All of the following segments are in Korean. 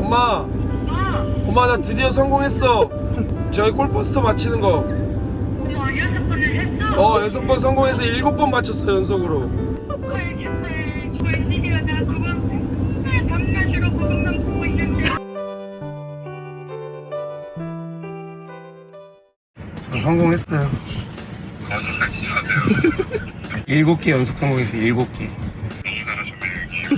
엄마, 엄마 나 드디어 성공했어. 저희 골퍼스터 맞히는 거. 6번을 했어? 6번 성공해서 7번 맞췄어 연속으로. 축하해 축하해. 웬일이야. 나 그거 밤낮으로 그것만 보고 있는데. 저 성공했어요. 거짓말하지 마세요. 7개 연속 성공했어요. 7개. 너무 잘하셨네요.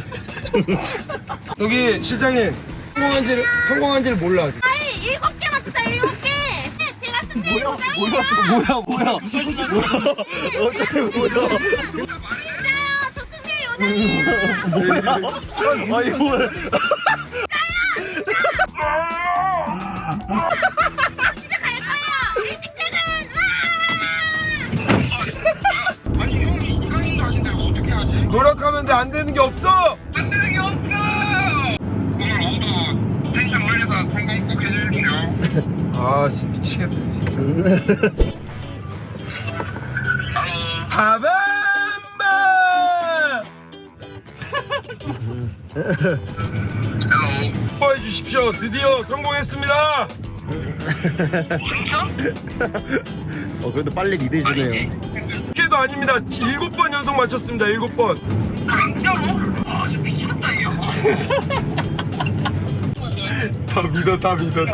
여기 실장님 성공한지를 몰라 아직. 아니 7개 맞췄다 7개. 제가 승리 보장이에요. 뭐야? 어차피 뭐야? 진짜요. 저 승리 요정이에요. 아니 뭘? 진짜 갈 거예요. 일찍 퇴근. 아니 형이 이상인 거 아닌데 어떻게 하지? 노력하면 돼. 안 되는 게 없어. 안 되는 게 없어. 오늘 오후도 펜션 올려서 성공 꼭 해주십시오. 아 진짜 미치겠다 진짜. 바밤바. 해 주십시오. 드디어 성공했습니다. 그래도 빨리 믿으시네요. 6개도 아닙니다. 7번 연속 맞췄습니다. 7번. 진짜로? 아 진짜 미쳤다 이거. 다 믿어.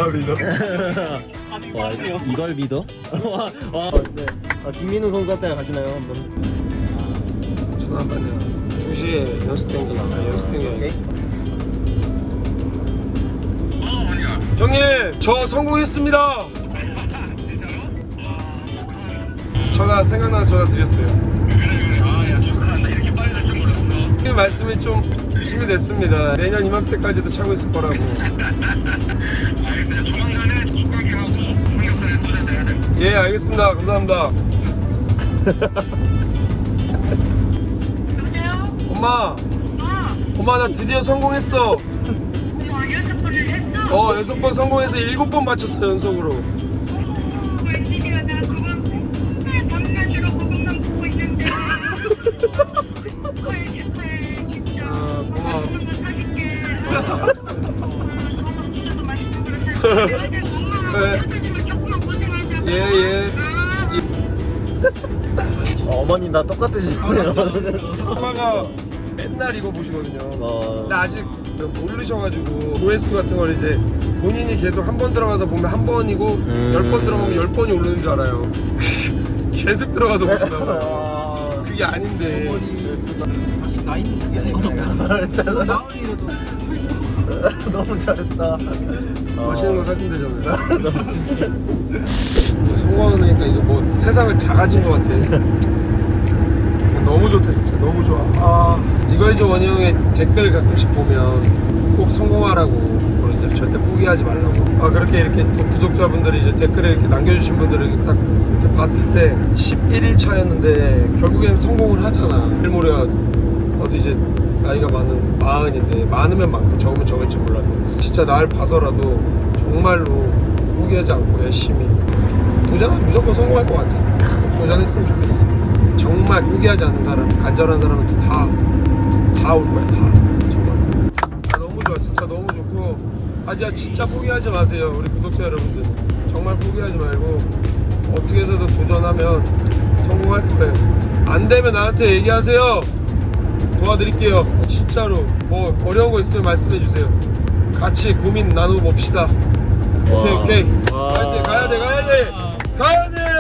와, 이걸 믿어? 와, 네. 김민우 선수한테 가시나요 한번? 전화 한 번요. 2시에 연습된 게 나와요. 연습된 게 아니라. 아니야. 형님 저 성공했습니다. 진짜로? 전화 생각나서 전화 드렸어요. 아야 축하한다. 이렇게 빨리 될 줄 몰랐어. 형님 말씀이 좀 힘이 됐습니다. 내년 이맘때까지도 차고 있을 거라고. 알겠어요. 조만간에 국가기하고 삼겹살에 소주 해야 돼. 예 알겠습니다. 감사합니다. 여보세요? 엄마 나 드디어 성공했어. 6번을 했어? 6번 성공해서 7번 맞췄어 연속으로. 웬일이야. 나 그거 밤낮으로 그것만 보고 있는데. 축하해 축하해. 진짜. 고마워. 맛있는 거 사줄게. 진짜 맛있는 거 사줄게. 엄마가 사주면 조금만 고생하자고. 예. 어머니 나 똑같으시네요. 엄마가 맨날 이거 보시거든요. 근데 어, 아직 모르셔가지고 조회수 같은 걸 이제 본인이 계속 한 번 들어가서 보면 한 번이고 10번 들어가면 10번이 오르는 줄 알아요. 계속 들어가서 보시나 봐요. 그게 아닌데. 자식 나이 있는 게 생각나. 나은이라도 너무 잘했다. 맛있는 거 사준 되잖아요. 성공하니까 이거 뭐 세상을 다 가진 것 같아. 너무 좋다 진짜. 너무 좋아. 이거이제 원희 형의 댓글 가끔씩 보면 꼭 성공하라고 그러죠. 절대 포기하지 말라고. 그렇게 이렇게 또 구독자분들이 이제 댓글에 이렇게 남겨주신 분들을 딱 이렇게 봤을 때 11일 차였는데 결국엔 성공을 하잖아. 일모레야 너도 이제 나이가 마흔인데 많으면 많고 적으면 적을지 몰라도 진짜 날 봐서라도 정말로 포기하지 않고 열심히 도전하면 무조건 성공할 것 같아. 도전했으면 좋겠어. 정말 포기하지 않는 사람, 간절한 사람은 다 올 거야. 다 정말. 너무 좋아. 진짜 너무 좋고 진짜 포기하지 마세요. 우리 구독자 여러분들 정말 포기하지 말고 어떻게 해서든 도전하면 성공할 거예요. 안 되면 나한테 얘기하세요. 도와드릴게요. 진짜로. 뭐 어려운 거 있으면 말씀해 주세요. 같이 고민 나눠 봅시다. 오케이. 와. 가야 돼.